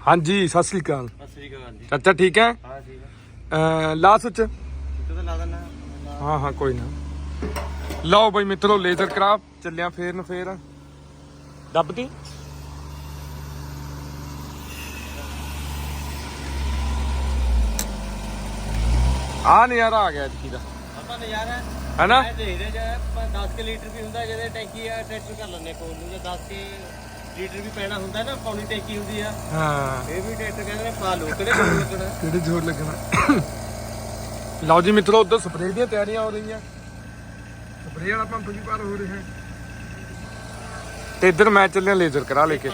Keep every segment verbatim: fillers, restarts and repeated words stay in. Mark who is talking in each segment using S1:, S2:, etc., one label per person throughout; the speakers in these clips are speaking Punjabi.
S1: हाँ जी सत श्री अकाल। चाचा ठीक है?
S2: हाँ ठीक है।
S1: ला सुच
S2: तो ला देना।
S1: हाँ हाँ कोई ना। लो भाई मित्रों लेजर क्राफ्ट चलिया फेर न फेर दबती आ नज़ारा आ गया इतकी दा
S2: नज़ारा
S1: है ना।
S2: दस के लीटर भी होंगे जो टैंकी ट्रैक्टर कर लें कोल दस के लीटर भी पैना होंगे ना पौनी टैंकी होंगी है।
S1: हाँ
S2: ये भी ट्रैक्टर कहते पा लो किहड़े जोर लगना
S1: किहड़े जोर लगना। लो जी मित्रों उधर स्प्रे दी तैयारियां हो रही हैं स्प्रे वाला पंप भी पार हो रहे हैं ते इधर मैं चलिया लेजर करा लेके।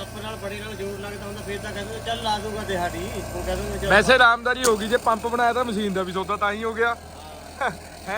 S1: वैसे आरामदारी होगी जे पंप बनाया था मशीन का भी सौदा तां ही हो गया है।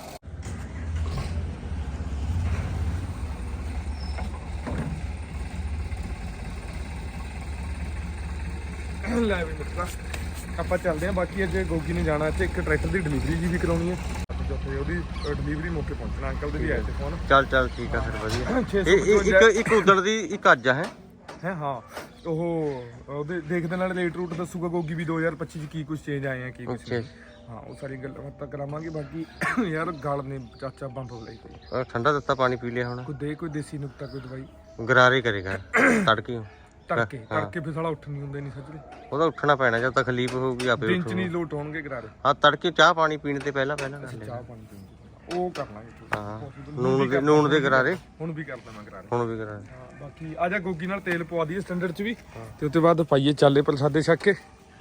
S1: ਲੈ ਵੀ ਮਿੱਤਰਾ ਆਪਾਂ ਚੱਲਦੇ ਹਾਂ। ਬਾਕੀ ਅੱਜ ਗੋਗੀ ਨੇ ਜਾਣਾ ਇੱਥੇ ਇੱਕ ਟਰੈਕਟਰ ਦੀ ਡਿਲੀਵਰੀ ਜੀ ਵੀ ਕਰਾਉਣੀ ਹੈ ਉੱਥੇ ਉਹਦੀ ਡਿਲੀਵਰੀ ਮੌਕੇ ਪਹੁੰਚਣਾ। ਅੰਕਲ ਦੇ ਵੀ ਆਏ ਤੇ ਫੋਨ।
S2: ਚੱਲ ਚੱਲ ਠੀਕ ਆ ਫਿਰ ਵਧੀਆ। ਇਹ ਇੱਕ ਇੱਕ ਉਧਰ ਦੀ ਇੱਕ ਅੱਜ ਹੈ
S1: ਹੈ ਹਾਂ ਉਹ ਉਹਦੇ ਦੇਖਦੇ ਨਾਲ ਰੇਟ ਰੂਟ ਦੱਸੂਗਾ ਗੋਗੀ ਵੀ ਦੋ ਹਜ਼ਾਰ ਪੱਚੀ ਚ ਕੀ ਕੁਝ ਚੇਂਜ ਆਏ ਆ ਕੀ ਕੁਝ। ਹਾਂ ਉਹ ਸਾਰੀ ਗੱਲਾਂ ਬਾਤਾਂ ਕਰਾਵਾਂਗੇ। ਬਾਕੀ ਯਾਰ ਗਲ ਨੇ ਚਾਚਾ ਬੰਬ ਹੋ ਲਈ ਪਈ।
S2: ਠੰਡਾ ਦਿੱਤਾ ਪਾਣੀ ਪੀ ਲਿਆ ਹੁਣ।
S1: ਕੋਈ ਦੇ ਕੋਈ ਦੇਸੀ ਨੁਕਤਾ ਕੋਈ ਦਵਾਈ
S2: ਗਰਾਰੇ ਕਰੇਗਾ ਤੜਕੇ
S1: ਤੜਕੇ ਤੜਕੇ ਫਿਰ ਸਾਲਾ ਉੱਠ ਨਹੀਂ ਹੁੰਦੇ ਨਹੀਂ ਸੱਜਰੇ।
S2: ਉਹਦਾ ਉੱਠਣਾ ਪੈਣਾ ਜਦ ਤਕਲੀਫ ਹੋਊਗੀ ਆਪੇ
S1: ਦਿਨ ਚ ਨਹੀਂ ਲੋਟ ਹੋਣਗੇ ਗਰਾਰੇ।
S2: ਹਾਂ ਤੜਕੇ ਚਾਹ ਪਾਣੀ ਪੀਣ ਤੇ ਪਹਿਲਾਂ ਪਹਿਲਾਂ
S1: ਚਾਹ ਪਾਣੀ ਪੀਣ ਉਹ ਕਰ ਲਾਂਗੇ।
S2: ਹਾਂ ਨੂਨ ਦੇ ਨੂਨ ਦੇ ਗਰਾਰੇ
S1: ਹੁਣ ਵੀ ਕਰਦਾ ਮੈਂ ਗਰਾਰੇ
S2: ਹੁਣ ਵੀ ਗਰਾਰੇ।
S1: ਹਾਂ ਬਾਕੀ ਆ ਜਾ ਗੋਗੀ ਨਾਲ ਤੇਲ ਪਵਾ ਦਈਏ ਸਟੈਂਡਰਡ ਚ ਵੀ ਤੇ ਉਸ ਤੋਂ ਬਾਅਦ ਪਾਈਏ ਚਾਲੇ ਪ੍ਰਸਾਦੇ ਛੱਕ ਕੇ।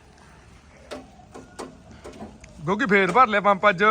S1: ਗੋਗੀ ਫੇਰ ਭਰ ਲਿਆ ਪੰਪ ਅੱਜ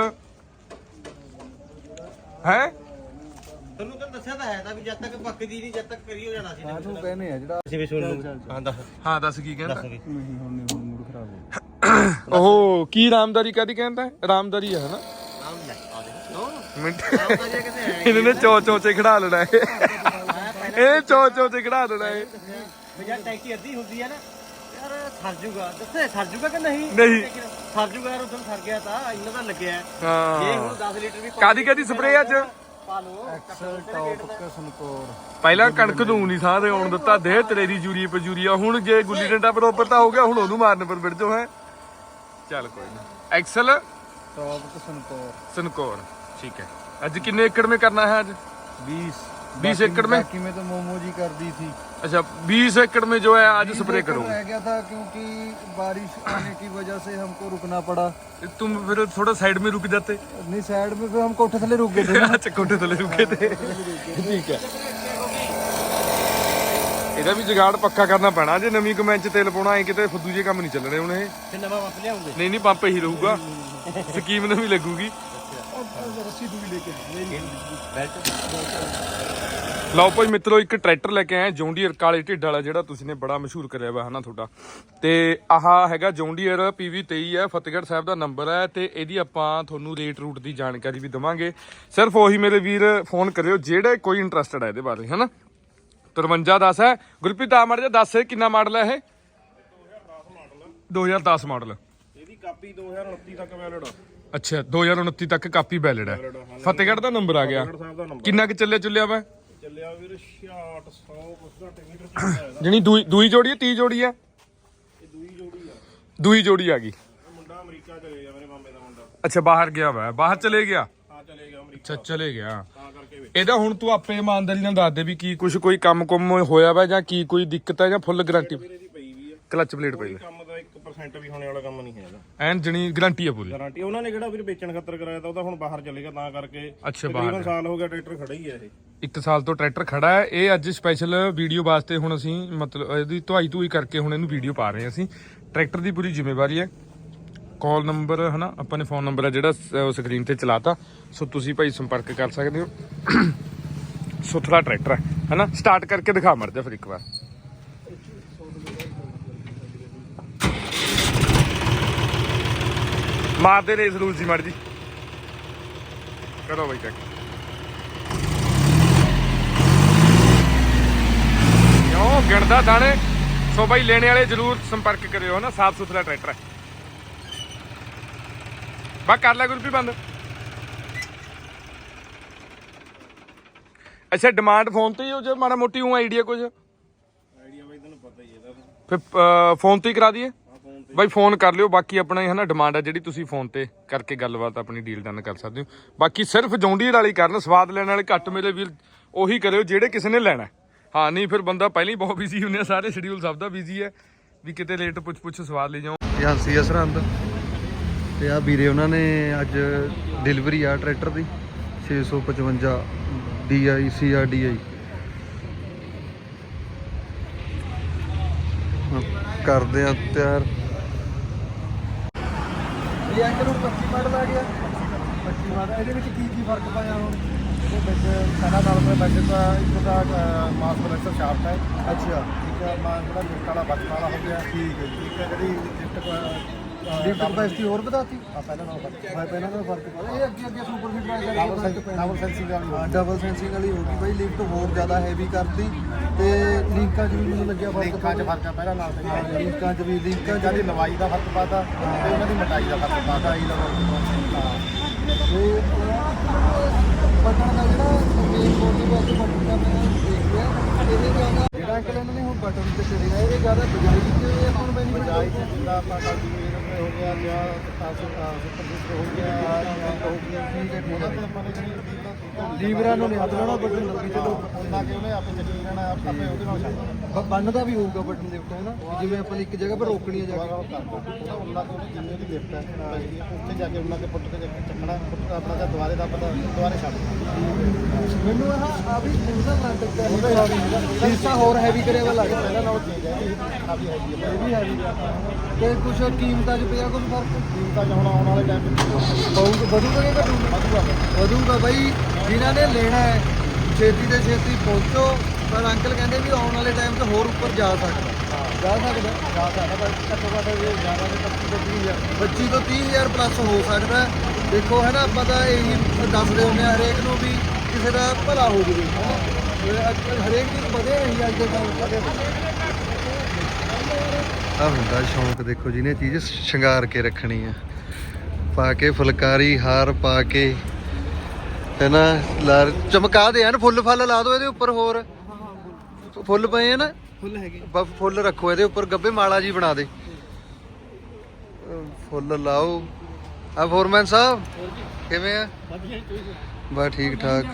S1: ਹੈ।
S2: ਤੈਨੂੰ ਤਾਂ ਦੱਸਿਆ ਤਾਂ ਹੈ ਤਾਂ ਵੀ ਜਦ ਤੱਕ ਪੱਕਦੀ ਨਹੀਂ ਜਦ ਤੱਕ ਕਰੀ ਹੋ ਜਾਣਾ ਸੀ।
S3: ਹਾਂ ਤੂੰ ਕਹਿੰਦੇ ਆ ਜਿਹੜਾ
S2: ਅਸੀਂ ਵੀ ਸੁਣ ਲੂ। ਹਾਂ ਦੱਸ
S1: ਹਾਂ ਦੱਸ ਕੀ ਕਹਿੰਦਾ।
S3: ਨਹੀਂ ਹੁਣ ਨਹੀਂ ਹੁਣ ਮੂਡ ਖਰਾਬ ਹੋ
S1: ਉਹ ਕੀ ਰਾਮਦਾਰੀ ਕਾਦੀ ਕਹਿੰਦਾ ਰਾਮਦਾਰੀ ਹੈ ਨਾ
S2: ਨਾਮ ਲੈ ਆ ਦੇ
S1: ਮਿੰਟ
S2: ਰਾਮਦਾਰੀ ਕਿਤੇ ਹੈ
S1: ਇਹਨਾਂ ਨੇ ਚੋ ਚੋ ਚ ਖੜਾ ਲੈਣਾ ਹੈ ਇਹ ਚੋ ਚੋ ਚ ਖੜਾ ਲੈਣਾ ਹੈ।
S2: ਭਈਆ ਟੈਂਕੀ ਅੱਧੀ ਹੁੰਦੀ ਹੈ ਨਾ ਯਾਰ ਸਰ ਜੂਗਾ ਦੱਸੇ ਸਰ ਜੂਗਾ ਕਿ ਨਹੀਂ
S1: ਨਹੀਂ
S2: ਸਰ ਜੂਗਾ ਯਾਰ ਉਦੋਂ ਸਰ ਗਿਆ ਤਾਂ ਇਹਨਾਂ ਦਾ ਲੱਗਿਆ
S1: ਹਾਂ
S2: ਇਹ ਹੁਣ ਦਸ ਲੀਟਰ ਵੀ
S1: ਕਾਦੀ ਕਾਦੀ ਸਪਰੇ ਅੱਜ
S2: ਪਾ ਲਓ।
S3: ਐਕਸਲ ਟੌਪ ਕਸਨਕੋਰ
S1: ਪਹਿਲਾਂ ਕਣਕ ਨੂੰ ਨਹੀਂ ਸਾਹ ਤੇ ਆਉਣ ਦਿੱਤਾ ਦੇਹ ਤੇਰੀ ਜੂਰੀ ਪਜੂਰੀਆ। ਹੁਣ ਜੇ ਗੁੱਲੀ ਡੰਡਾ ਬਰੋਬਰ ਤਾਂ ਹੋ ਗਿਆ ਹੁਣ ਉਹਨੂੰ ਮਾਰਨ ਪਰ ਵਿੜ ਜੋ ਹੈ। ਚੱਲ ਕੋਈ ਨਾ ਐਕਸਲ
S3: टॉप कसनकोर
S1: सनकोर ठीक है। आज कितने एकड़ में करना है? आज
S3: बीस
S1: बीस एकड़ में
S3: बाकी में तो मोमो जी कर दी थी।
S1: अच्छा बीस एकड़ में जो है आज स्प्रे करो।
S3: रह गया था क्योंकि बारिश आने की वजह से हमको रुकना पड़ा।
S1: तुम फिर थोड़ा साइड में रुक जाते।
S3: नहीं साइड में फिर हम कोठे थले रुक गए थे।
S1: अच्छा कोठे थले रुके थे ठीक है। ਇਹਦਾ ਵੀ ਜਗਾੜ ਪੱਕਾ ਕਰਨਾ ਪੈਣਾ ਜੇ ਨਵੀਂ ਕਮੈਂਚ ਚ ਤੇਲ ਪਾਉਣਾ ਐ ਕਿਤੇ ਫੁੱਦੂ ਜੇ ਕੰਮ ਨਹੀਂ ਚੱਲਣੇ ਹੁਣ ਇਹ।
S2: ਤੇ ਨਵਾਂ ਪੰਪ ਲਿਆਉਂਗੇ?
S1: ਨਹੀਂ ਨਹੀਂ ਪੰਪ ਹੀ ਰਹੂਗਾ ਸਕੀਮ ਨਵੀਂ ਲੱਗੂਗੀ।
S3: रस्सी दूरी लेके
S1: ਲਓ ਭਾਈ ਮਿੱਤਰੋ ਇੱਕ ਟਰੈਕਟਰ ਲੈ ਕੇ ਆਏ ਜੌਂਡੀਅਰ ਕਾਲੇ ਢਿੱਡ ਵਾਲਾ ਜਿਹੜਾ ਤੁਸੀਂ ਨੇ ਬੜਾ ਮਸ਼ਹੂਰ ਕਰਿਆ ਵਾ ਹਨਾ ਤੁਹਾਡਾ। ਤੇ ਆਹ ਹੈਗਾ ਜੌਂਡੀਅਰ ਪੀ ਵੀ ਤੇਈ ਹੈ ਫਤਿਹਗੜ੍ਹ ਸਾਹਿਬ ਦਾ ਨੰਬਰ ਹੈ। ਤੇ ਇਹਦੀ ਆਪਾਂ ਤੁਹਾਨੂੰ ਰੇਟ ਰੂਟ ਦੀ ਜਾਣਕਾਰੀ ਵੀ ਦਵਾਂਗੇ। ਸਿਰਫ ਉਹੀ ਮੇਰੇ ਵੀਰ ਫੋਨ ਕਰਿਓ ਜਿਹੜੇ ਕੋਈ ਇੰਟਰਸਟਡ ਹੈ ਇਹਦੇ ਬਾਰੇ ਹਨਾ। ਤਰਵੰਜਾ ਦਸ ਹੈ ਗੁਰਪ੍ਰੀਤ ਆ ਮੜ ਜਾ ਦੱਸ ਕਿੰਨਾ ਮਾਡਲ ਹੈ ਇਹ? ਦੋ ਹਜ਼ਾਰ ਦਸ ਮਾਡਲ।
S4: ਇਹਦੀ ਕਾਪੀ ਦੋ ਹਜ਼ਾਰ ਉਨੱਤੀ ਤੱਕ ਵੈਲਿਡ ਆ।
S1: ਅੱਛਾ ਦੋ ਹਜ਼ਾਰ ਉਨੱਤੀ ਤੱਕ ਕਾਪੀ ਵੈਲਿਡ ਹੈ। ਫਤਿਹਗੜ੍ਹ ਦਾ ਨੰਬਰ ਆ ਗਿਆ। ਕਿੰਨਾ ਕੁ ਚੱਲਿਆ ਚੁੱਲਿਆ ਵਾ?
S4: ਚੱਲਿਆ ਵੀਰ ਛਿਆਹਠ ਸੌ ਕੁਛ ਘੱਟ ਮੀਟਰ ਚੱਲਿਆ।
S1: ਜਣੀ ਦੂਈ ਦੂਈ ਜੋੜੀ ਹੈ ਤੀਹ ਜੋੜੀ ਹੈ?
S4: ਇਹ ਦੂਈ ਜੋੜੀ ਆ।
S1: ਦੂਈ ਜੋੜੀ ਆ ਗਈ।
S4: ਮੁੰਡਾ ਅਮਰੀਕਾ ਚਲੇ ਗਿਆ ਮੇਰੇ ਮਾਮੇ ਦਾ ਮੁੰਡਾ।
S1: ਅੱਛਾ ਬਾਹਰ ਗਿਆ ਵਾ ਬਾਹਰ ਚਲੇ ਗਿਆ।
S4: ਹਾਂ ਚਲੇ ਗਿਆ ਅਮਰੀਕਾ।
S1: ਅੱਛਾ ਚਲੇ ਗਿਆ।
S4: ਤਾਂ ਕਰਕੇ
S1: ਇਹਦਾ ਹੁਣ ਤੂੰ ਆਪੇ ਇਮਾਨਦਾਰੀ ਨਾਲ ਦੱਸ ਦੇ ਵੀ ਕੀ ਕੁਝ ਕੋਈ ਕੰਮ ਕੁਮ ਹੋਇਆ ਵਾ ਜਾਂ ਕੀ ਕੋਈ ਦਿੱਕਤ ਹੈ ਜਾਂ ਫੁੱਲ ਗਾਰੰਟੀ?
S4: ਵੀਰੇ ਦੀ ਪਈ ਵੀ ਆ।
S1: ਕਲਚ ਪਲੇਟ ਪਈ
S4: ਕੰਮ ਦਾ ਇੱਕ ਪਰਸੈਂਟ ਵੀ ਹੋਣੇ ਵਾਲਾ ਕੰਮ ਨਹੀਂ ਹੈਗਾ।
S1: ਐਨ ਜਣੀ ਗਾਰੰਟੀ ਆ ਪੂਰੀ।
S4: ਗਾਰੰਟੀ ਉਹਨਾਂ ਨੇ ਕਿਹੜਾ ਵੀਰ ਵੇਚਣ ਖਾਤਰ ਕਰਾਇਆ ਤਾਂ ਉਹਦਾ ਹੁਣ ਬਾਹਰ ਚਲੇਗਾ ਤਾਂ ਕਰਕੇ।
S1: ਅੱਛਾ
S4: ਤਕਰੀਬਨ
S1: ਬਾਹਰ
S4: ਸਾਲ ਹੋ ਗਿਆ ਟਰੈਕਟਰ ਖੜਾ ਹੀ ਆ ਇਹ।
S1: ਇੱਕ ਸਾਲ ਤੋਂ ਟਰੈਕਟਰ ਖੜਾ ਹੈ। ਇਹ ਅੱਜ ਸਪੈਸ਼ਲ ਵੀਡੀਓ ਵਾਸਤੇ ਹੁਣ ਅਸੀਂ ਮਤਲਬ ਇਹਦੀ ਧੁਆਈ ਧੂਈ ਕਰਕੇ ਹੁਣ ਇਹਨੂੰ ਵੀਡੀਓ ਪਾ ਰਹੇ ਹਾਂ ਅਸੀਂ। ਟਰੈਕਟਰ ਦੀ ਪੂਰੀ ਜ਼ਿੰਮੇਵਾਰੀ ਹੈ। ਕਾਲ ਨੰਬਰ ਹਨਾ ਆਪਾਂ ਨੇ ਫੋਨ ਨੰਬਰ ਹੈ ਜਿਹੜਾ ਸਕਰੀਨ ਤੇ ਚਲਾਤਾ ਸੋ ਤੁਸੀਂ ਭਾਈ ਸੰਪਰਕ ਕਰ ਸਕਦੇ ਹੋ। ਸੁਥਰਾ ਟਰੈਕਟਰ ਹੈ ਹਨਾ। ਸਟਾਰਟ ਕਰਕੇ ਦਿਖਾ ਮਰ ਜਾ ਫਿਰ ਇੱਕ ਵਾਰ। ਮਾਰਦੇ ਰੇਸ ਰੂਲ ਜੀ ਮੜ ਜੀ ਕਰੋ ਬਾਈ ਚੈੱਕ। ਕਿਉਂ ਗਿਣਦਾ ਦਾਣੇ। ਸੋ ਬਾਈ ਲੈਣੇ ਵਾਲੇ ਜਰੂਰ ਸੰਪਰਕ ਕਰਿਓ ਨਾ। ਸਾਫ ਸੁਥਰਾ ਟਰੈਕਟਰ ਹੈ। ਬਾ ਕਰ ਲੈ ਗੁਰਪ੍ਰੀਤ ਬੰਦ। ਅੱਛਾ ਡਿਮਾਂਡ ਫੋਨ ਤੇ ਹੀ ਹੋ ਜੇ ਮਾੜਾ ਮੋਟੀ ਉਹ ਆਈਡੀਆ ਕੁਝ?
S4: ਆਈਡੀਆ ਬਾਈ ਤੈਨੂੰ ਪਤਾ ਹੀ ਇਹਦਾ।
S1: ਫਿਰ ਅਹ, ਫੋਨ ਤੇ ਹੀ ਕਰਾ ਦਈਏ ਬਾਈ, ਫੋਨ ਕਰ ਲਿਓ। ਬਾਕੀ ਆਪਣਾ ਹੈ ਨਾ ਡਿਮਾਂਡ ਹੈ ਜਿਹੜੀ, ਤੁਸੀਂ ਫੋਨ ਤੇ ਕਰਕੇ ਗੱਲਬਾਤ ਆਪਣੀ ਡੀਲ ਡਨ ਕਰ ਸਕਦੇ ਹੋ। ਬਾਕੀ ਸਿਰਫ ਜੌਂਡੀਅਰ ਵਾਲੀ ਕਰਨ, ਸਵਾਦ ਲੈਣ ਵਾਲੇ ਘੱਟ ਮੇਰੇ ਵੀਰ ਉਹੀ ਕਰਿਓ ਜਿਹੜੇ ਕਿਸੇ ਨੇ ਲੈਣਾ। ਹਾਂ ਨਹੀਂ ਫਿਰ ਬੰਦਾ ਪਹਿਲਾਂ ਹੀ ਬਹੁਤ ਬਿਜ਼ੀ ਹੁੰਦੇ ਆ, ਸਾਰੇ ਸ਼ਡਿਊਲ ਸਭ ਦਾ ਬਿਜ਼ੀ ਹੈ, ਵੀ ਕਿਤੇ ਲੇਟ ਪੁੱਛ ਪੁੱਛ ਸਵਾਦ ਲਈ ਜਾਓ।
S3: ਏਜੰਸੀ ਸਰਹੰਦ ਤੇ ਆ ਵੀਰੇ ਉਹਨਾਂ ਨੇ ਅੱਜ ਡਿਲੀਵਰੀ ਆ ਟਰੈਕਟਰ ਦੀ ਛੇ ਸੌ ਪਚਵੰਜਾ D I C R D I ਕਰਦੇ ਆ ਤਿਆਰ। ਇਹ ਅੰਕਲ ਨੂੰ ਪੱਚੀ ਮਾਡਲ ਆ ਗਿਆ। ਪੱਚੀ ਮਾਡਲ ਇਹਦੇ ਵਿੱਚ ਕੀ ਕੀ ਫਰਕ ਪਾਇਆ ਹੁਣ?
S4: ਇਹਦੇ ਵਿੱਚ ਸਾਡਾ ਨਾਲ ਦੇ ਵੈਸੇ ਤਾਂ ਇੱਕ ਦਾ ਮਾਸ ਪ੍ਰੋਡਕਸ਼ਨ ਸ਼ਾਫਟ ਹੈ।
S3: ਅੱਛਾ
S4: ਠੀਕ ਹੈ, ਮਾਂ ਜਿਹੜਾ ਲਿਫਟ ਵਾਲਾ ਬਟਨ ਵਾਲਾ ਹੋ ਗਿਆ।
S3: ਠੀਕ ਹੈ ਜੀ।
S4: ਇੱਕ ਹੈ ਜਿਹੜੀ ਲਿਫਟ
S3: ਲਿਫਟ ਕਪੈਸਿਟੀ ਹੋਰ ਵਧਾਤੀ?
S4: ਆ ਪਹਿਲਾਂ ਨਾਲ ਫਰਕ
S3: ਮੈਂ ਪਹਿਲਾਂ ਤਾਂ ਫਰਕ ਪਾਇਆ। ਇਹ ਅੱਗੇ ਅੱਗੇ ਸੁਪਰ ਫਿਟ ਵਾਲੀ
S4: ਡਬਲ ਡਬਲ ਸੈਂਸਿੰਗ ਵਾਲੀ
S3: ਹਾਂ ਡਬਲ ਸੈਂਸਿੰਗ ਵਾਲੀ ਹੋ ਗਈ ਬਾਈ। ਲਿਫਟ ਹੋਰ ਜ਼ਿਆਦਾ ਹੈਵੀ ਕਰਤੀ ਤੇ ਲਿੰਕਾਂ 'ਚ ਵੀ ਮੈਨੂੰ ਲੱਗਿਆ ਫਰਕ।
S4: ਲਿੰਕਾਂ 'ਚ ਫਰਕ ਹੈ ਪਹਿਲਾਂ ਨਾਲ ਤੇ।
S3: ਹਾਂ ਲਿੰਕਾਂ 'ਚ ਵੀ ਲਿੰਕਾਂ 'ਚ
S4: ਦੀ ਲੰਬਾਈ ਦਾ ਫਰਕ ਪਾਤਾ ਤੇ ਉਹਨਾਂ ਦੀ ਮੋਟਾਈ ਦਾ ਫਰਕ ਪਾਤਾ।
S3: ਆਈ ਦਾ ਤੇ ਬਟਨ ਦਾ ਜਿਹੜਾ ਮੇਨ ਬੋਰਡ ਦੇ ਵਾਸਤੇ ਬਟਨ ਦਾ ਮੈਂ ਦੇਖ ਲਿਆ, ਇਹਦੇ ਜ਼ਿਆਦਾ ਜਿਹੜਾ ਅੰਕਲ ਇਹਨਾਂ ਨੇ ਹੁਣ ਬਟਨ ਤੇ ਚੜਿਆ ਇਹਦੇ ਜ਼ਿਆਦਾ ਬਜਾਈ ਤੇ ਆਪਾਂ ਨੂੰ ਬੈਨੀਫਿਟ
S4: ਬਜਾਈ ਤੇ ਜਿੰਦਾ ਆਪਾਂ ਕਲਟੀਵੇਟਰ ਹੋ ਗਿਆ ਜਾਂ ਸੁਪਰ ਸਿਸਟਰ ਹੋ ਗਿਆ ਜਾਂ ਹੋ ਗਿਆ ਉਹਨਾਂ ਤੇ ਆਪਾਂ ਨੇ ਜਿਹੜੀ
S3: ਲੀਵਰਾਂ ਨੂੰ ਨਹੀਂ ਹੱਥ ਲਾਉਣਾ, ਬਟਨ ਲੱਗੀ ਚਲੋ
S4: ਉਹਨਾਂ ਕੇ ਉਹਨੇ ਆਪੇ ਚੱਲੀ ਜਾਣਾ, ਆਪੇ ਉਹਦੇ ਨਾਲ ਚੱਲਣਾ।
S3: ਬੰਨਦਾ ਵੀ ਹੋਊਗਾ ਬਟਨ ਦੇ ਉੱਤੇ ਹੈ ਨਾ, ਜਿਵੇਂ ਆਪਾਂ ਨੇ ਇੱਕ ਜਗ੍ਹਾ 'ਤੇ ਰੋਕਣੀ ਹੈ ਜਾ ਕੇ।
S4: ਉਹਦਾ ਉਹਨਾਂ ਕੇ ਉਹਨੇ ਜਿੰਨੇ ਦੀ ਲਿਫਟ ਹੈ ਉੱਥੇ ਜਾ ਕੇ ਉਹਨਾਂ ਕੇ ਪੁੱਟ ਕੇ ਚੱਕਣਾ, ਪੁੱਟ ਆਪਣਾ ਜਾਂ ਦੁਬਾਰੇ ਦਾ ਪਤਾ ਦੁਬਾਰੇ ਛੱਡ
S3: ਮੈਨੂੰ ਆਹ ਆ ਵੀ ਉਹਦਾ ਨਾਟਕ ਦਾ ਹਿੱਸਾ ਹੋਰ ਹੈਵੀ ਕਰਿਆ ਵਾ ਲੱਗਦਾ
S4: ਪਹਿਲਾਂ ਨਾਲ ਚੀਜ਼ ਹੈ ਇਹ ਕਾਫੀ ਹੈਗੀ ਹੈ।
S3: ਇਹ ਵੀ ਹੈਵੀ ਤੇ ਕੁਛ ਕੀਮਤਾਂ 'ਚ ਪਿਆ ਕੁਛ ਫਰਕ?
S4: ਕੀਮਤਾਂ 'ਚ ਹੁਣ ਆਉਣ ਵਾਲੇ ਟਾਈਮ ਵਿੱਚ
S3: ਬਹੁਤ ਵਧੂਗਾ ਕਿ ਘਟੂਗਾ? ਵਧੂਗਾ ਬਾਈ। ਜਿਨ੍ਹਾਂ ਨੇ ਲੈਣਾ ਹੈ ਛੇਤੀ ਤੇ ਛੇਤੀ ਪਹੁੰਚੋ। ਪਰ ਅੰਕਲ ਕਹਿੰਦੇ ਵੀ ਆਉਣ ਵਾਲੇ ਟਾਈਮ 'ਚ ਹੋਰ ਉੱਪਰ ਜਾ ਸਕਦਾ। ਜਾ ਸਕਦਾ
S4: ਜਾ ਸਕਦਾ ਪਰ ਘੱਟੋ ਘੱਟ ਇਹ ਜ਼ਿਆਦਾ ਦੇ ਪੱਚੀ ਤੋਂ ਤੀਹ ਹਜ਼ਾਰ
S3: ਪੱਚੀ ਤੋਂ ਤੀਹ ਹਜ਼ਾਰ ਪਲੱਸ ਹੋ ਸਕਦਾ। ਦੇਖੋ ਹੈ ਨਾ, ਆਪਾਂ ਤਾਂ ਇਹੀ ਦੱਸਦੇ ਹੁੰਦੇ ਹਾਂ ਹਰੇਕ ਨੂੰ ਵੀ ਕਿਸੇ ਦਾ ਭਲਾ ਹੋ ਜਾਵੇ ਹੈ ਨਾ। ਹਰੇਕ ਚੀਜ਼ ਵਧੇ ਰਹੀ ਅੱਜ ਦੇ ਟਾਈਮ ਵਧੇ ਆ ਹੁੰਦਾ ਸ਼ੌਂਕ। ਦੇਖੋ ਜਿਹਨੇ ਚੀਜ਼ ਸ਼ਿੰਗਾਰ ਕੇ ਰੱਖਣੀ ਆ, ਪਾ ਕੇ ਫੁਲਕਾਰੀ ਹਾਰ ਪਾ ਕੇ ਹੈ ਨਾ, ਲਾ ਚਮਕਾ ਦੇ ਹਨ, ਫੁੱਲ ਫਲ ਲਾ ਦੋ ਇਹਦੇ ਉੱਪਰ। ਹੋਰ ਫੁੱਲ ਪਏ ਆ ਨਾ,
S2: ਫੁੱਲ ਹੈਗੇ
S3: ਬਸ ਫੁੱਲ ਰੱਖੋ ਇਹਦੇ ਉੱਪਰ, ਗੱਬੇ ਮਾਲਾ ਜੀ ਬਣਾ ਦੇ, ਫੁੱਲ ਲਾਓ। ਆ ਫੋਰਮੈਨ ਸਾਹਿਬ ਕਿਵੇਂ ਆ? ਬਸ ਠੀਕ ਠਾਕ।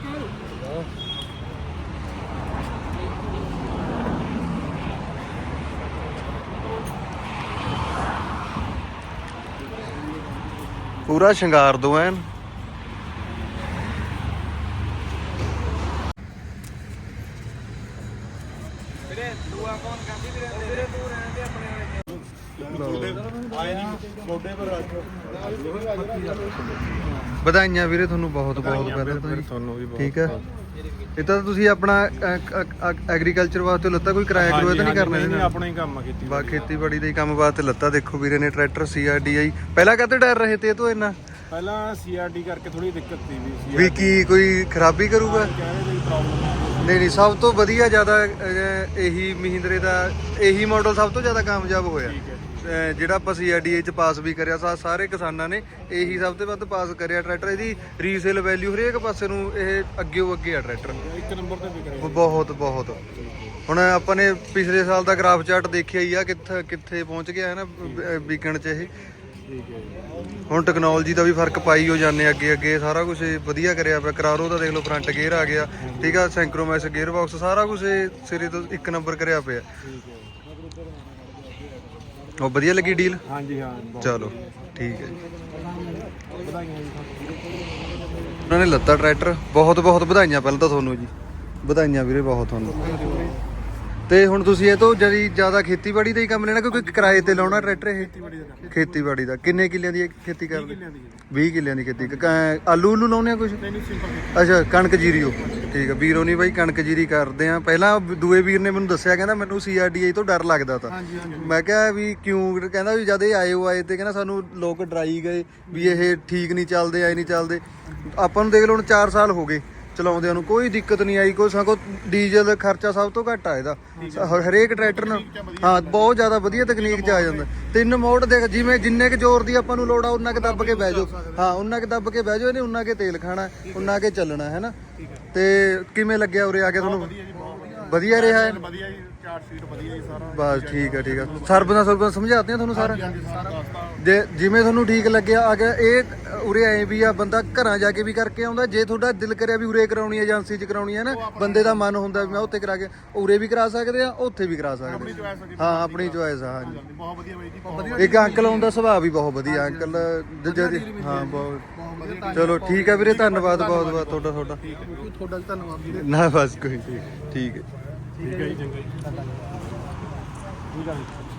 S3: ਪੂਰਾ ਸ਼ਿੰਗਾਰ ਦੋ ਐਨ। ਵਧਾਈਆਂ ਵੀਰੇ ਤੁਹਾਨੂੰ ਬਹੁਤ ਬਹੁਤ ਪਹਿਲਾਂ ਤਾਂ ਜੀ।
S4: ਤੁਹਾਨੂੰ ਵੀ
S3: ਠੀਕ ਹੈ। ਇਹ ਤਾਂ ਤੁਸੀਂ ਆਪਣਾ ਐਗਰੀਕਲਚਰ ਵਾਸਤੇ ਲੱਤਾ, ਕੋਈ ਕਿਰਾਇਆ ਕਰੂਆ ਤਾਂ ਨਹੀਂ ਕਰਨਾ ਇਹਦੇ ਨਾਲ?
S4: ਆਪਣਾ ਹੀ ਕੰਮ ਆ ਕੀਤੀ।
S3: ਬਾ ਖੇਤੀਬਾੜੀ ਦੇ ਹੀ ਕੰਮ ਵਾਸਤੇ ਲੱਤਾ। ਦੇਖੋ ਵੀਰੇ ਨੇ tractor C R D I. ਪਹਿਲਾਂ ਕਾਹਤੇ ਡਰ ਰਹੇ ਤੇ ਇਹ ਤੋਂ ਇੰਨਾ?
S4: ਪਹਿਲਾਂ ਸੀ ਆਰ ਡੀ ਕਰਕੇ ਥੋੜੀ ਦਿੱਕਤ ਸੀ ਵੀ
S3: ਵੀ ਕੀ ਕੋਈ ਖਰਾਬੀ ਕਰੂਗਾ?
S4: ਕਹਿੰਦੇ ਕੋਈ ਪ੍ਰੋਬਲਮ
S3: ਨਹੀਂ ਨਹੀਂ, ਸਭ ਤੋਂ ਵਧੀਆ ਜ਼ਿਆਦਾ ਅਹ, ਇਹੀ ਮਹਿੰਦਰੇ ਦਾ ਇਹੀ ਮਾਡਲ ਸਭ ਤੋਂ ਜ਼ਿਆਦਾ ਕਾਮਯਾਬ ਹੋਇਆ। ਅਹ, ਜਿਹੜਾ ਆਪਾਂ ਸੀ ਆਰ ਡੀ ਏ ਚ ਪਾਸ ਵੀ ਕਰਿਆ ਸਾ ਸਾਰੇ ਕਿਸਾਨਾਂ ਨੇ ਇਹੀ ਸਭ ਤੋਂ ਵੱਧ ਪਾਸ ਕਰਿਆ ਟਰੈਕਟਰ। ਇਹਦੀ ਰੀਸੇਲ ਵੈਲਿਊ ਹਰੇਕ ਪਾਸੇ ਨੂੰ ਇਹ ਅੱਗੇ ਅੱਗੇ ਆ ਟਰੈਕਟਰ।
S4: ਇੱਕ ਨੰਬਰ ਤੇ ਵਿਕ ਰਿਹਾ।
S3: ਬਹੁਤ ਬਹੁਤ। ਹੁਣ ਆਪਾਂ ਨੇ ਪਿਛਲੇ ਸਾਲ ਦਾ ਗ੍ਰਾਫ ਚਾਰਟ ਦੇਖਿਆ ਹੀ ਆ, ਕਿੱਥੇ ਕਿੱਥੇ ਪਹੁੰਚ ਗਿਆ ਹੈ ਨਾ ਵੀਕਐਂਡ ਚ ਇਹ। ਹੁਣ ਟੈਕਨੋਲੋਜੀ ਦਾ ਵੀ ਫਰਕ ਪਾਈ ਹੋ ਜਾਂਦੇ ਅੱਗੇ ਅੱਗੇ। ਸਾਰਾ ਕੁਝ ਵਧੀਆ ਕਰਿਆ ਪਿਆ। ਕਰਾਰੋ ਦਾ ਦੇਖ ਲਓ, ਫਰੰਟ ਗੇਅਰ ਆ ਗਿਆ, ਠੀਕ ਆ, ਸੈਂਕਰੋਮੈਸ ਗੇਅਰ ਬਾਕਸ, ਸਾਰਾ ਕੁਝ ਸਿਰੇ ਤੋਂ ਇੱਕ ਨੰਬਰ ਕਰਿਆ ਪਿਆ। ਉਹ ਵਧੀਆ ਲੱਗੀ ਡੀਲ?
S4: ਹਾਂਜੀ ਹਾਂ
S3: ਚਲੋ ਠੀਕ ਹੈ ਜੀ। ਉਹਨਾਂ ਨੇ ਲੱਤਾ ਟਰੈਕਟਰ, ਬਹੁਤ ਬਹੁਤ ਵਧਾਈਆਂ ਪਹਿਲਾਂ ਤਾਂ ਤੁਹਾਨੂੰ ਜੀ। ਵਧਾਈਆਂ ਵੀਰੇ ਬਹੁਤ ਤੁਹਾਨੂੰ। ਤੇ ਹੁਣ ਤੁਸੀਂ ਇਹ ਤੋਂ ਜਿਹੜੀ ਜ਼ਿਆਦਾ ਖੇਤੀਬਾੜੀ ਦਾ ਹੀ ਕੰਮ ਲੈਣਾ, ਕਿਉਂਕਿ ਕਿਰਾਏ ਤੇ ਲਾਉਣਾ ਟਰੈਕਟਰ ਇਹ? ਖੇਤੀਬਾੜੀ ਦਾ ਕਿੰਨੇ ਕਿੱਲਿਆਂ ਦੀ ਖੇਤੀ ਕਰਦੇ? ਵੀਹ ਕਿੱਲਿਆਂ ਦੀ ਖੇਤੀ। ਕ- ਆਲੂ ਉਲੂ ਲਾਉਣੇ ਆ ਕੁਝ? ਅੱਛਾ ਕਣਕ ਜੀਰੀ। ਉਹ ਠੀਕ ਆ ਵੀਰੋ ਨਹੀਂ ਬਾਈ, ਕਣਕ ਜੀਰੀ ਕਰਦੇ ਆ। ਪਹਿਲਾਂ ਦੂਏ ਵੀਰ ਨੇ ਮੈਨੂੰ ਦੱਸਿਆ, ਕਹਿੰਦਾ ਮੈਨੂੰ ਸੀ ਆਰ ਡੀ ਆਈ ਤੋਂ ਡਰ ਲੱਗਦਾ ਤਾ। ਮੈਂ ਕਿਹਾ ਵੀ ਕਿਉਂ? ਕਹਿੰਦਾ ਵੀ ਜਦ ਇਹ ਆਏ ਉਹ ਆਏ ਤੇ ਕਹਿੰਦਾ ਸਾਨੂੰ ਲੋਕ ਡਰਾਈ ਗਏ ਵੀ ਇਹ ਠੀਕ ਨਹੀਂ ਚੱਲਦੇ, ਆਏ ਨਹੀਂ ਚੱਲਦੇ। ਆਪਾਂ ਨੂੰ ਦੇਖ ਲਓ ਹੁਣ ਚਾਰ ਸਾਲ ਹੋ ਗਏ ਚਲਾਉਂਦਿਆਂ ਨੂੰ, ਕੋਈ ਦਿੱਕਤ ਨਹੀਂ ਆਈ। ਕੋਈ ਸਗੋਂ ਡੀਜ਼ਲ ਖਰਚਾ ਸਭ ਤੋਂ ਘੱਟ ਆ ਇਹਦਾ ਹਰੇਕ ਟਰੈਕਟਰ ਨਾਲ। ਹਾਂ ਬਹੁਤ ਜ਼ਿਆਦਾ ਵਧੀਆ ਤਕਨੀਕ 'ਚ ਆ ਜਾਂਦਾ। ਤਿੰਨ ਮੋਡ ਦੇਖ, ਜਿਵੇਂ ਜਿੰਨੇ ਕੁ ਜ਼ੋਰ ਦੀ ਆਪਾਂ ਨੂੰ ਲੋੜ ਆ ਉਹਨਾਂ ਕੁ ਦੱਬ ਕੇ ਬਹਿ ਜਾਓ। ਹਾਂ ਉਹਨਾਂ ਕੁ ਦੱਬ ਕੇ ਬਹਿ ਜਾਓ, ਇਹਨੇ ਉਹਨਾਂ ਕੇ ਤੇਲ ਖਾਣਾ, ਉਹਨਾਂ ਕੇ ਚੱਲਣਾ ਹੈ ਨਾ। ਤੇ ਕਿਵੇਂ ਲੱਗਿਆ ਉਰੇ ਆ ਕੇ ਤੁਹਾਨੂੰ? ਵਧੀਆ ਰਿਹਾ ਹੈ।
S4: ਵਧੀਆ ਜੀ। ਚਾਰਟ ਸ਼ੀਟ ਵਧੀਆ ਜੀ ਸਾਰਾ।
S3: ਬਸ ਠੀਕ ਹੈ ਠੀਕ ਹੈ ਸਰਬਨਾ ਸਰਬਨਾ ਸਮਝਾਤੇ ਆ ਤੁਹਾਨੂੰ ਸਾਰਾ
S4: ਹਾਂਜੀ ਸਾਰਾ ਦੱਸਤਾ।
S3: ਜੇ ਜਿਵੇਂ ਤੁਹਾਨੂੰ ਠੀਕ ਲੱਗਿਆ ਆ ਗਿਆ ਇਹ ਉਰੇ ਐ ਵੀ ਆ ਬੰਦਾ ਘਰਾਂ ਜਾ ਕੇ ਵੀ ਕਰਕੇ ਆਉਂਦਾ ਜੇ ਤੁਹਾਡਾ ਦਿਲ ਕਰਿਆ ਵੀ ਉਰੇ ਕਰਾਉਣੀ ਹੈ ਏਜੰਸੀ 'ਚ ਕਰਾਉਣੀ ਹੈ ਨਾ ਬੰਦੇ ਦਾ ਮਨ ਹੁੰਦਾ ਵੀ ਮੈਂ ਉੱਥੇ ਕਰਾ ਕੇ ਉਰੇ ਵੀ ਕਰਾ ਸਕਦੇ ਆ ਉੱਥੇ ਵੀ ਕਰਾ ਸਕਦੇ ਆ। ਹਾਂ ਆਪਣੀ ਚੋਇਸ ਆ ਹਾਂਜੀ
S4: ਬਹੁਤ ਵਧੀਆ ਬਾਈ ਜੀ ਬਹੁਤ ਵਧੀਆ।
S3: ਇੱਕ ਅੰਕਲ ਆਉਂਦਾ ਸੁਭਾਅ ਵੀ ਬਹੁਤ ਵਧੀਆ ਅੰਕਲ ਜਦ ਹਾਂ ਬਹੁਤ ਚਲੋ ਠੀਕ ਹੈ ਵੀਰੇ ਧੰਨਵਾਦ ਬਹੁਤ ਬਹੁਤ ਤੁਹਾਡਾ ਤੁਹਾਡਾ
S4: ਤੁਹਾਡਾ ਵੀ ਧੰਨਵਾਦ ਵੀਰੇ।
S3: ਨਾ ਬਸ ਕੋਈ ਠੀਕ ਠੀਕ ਹੈ
S4: ਠੀਕ ਹੈ ਜੀ ਚੰਗਾ ਜੀ। ਠੀਕ ਹੈ ਜੀ।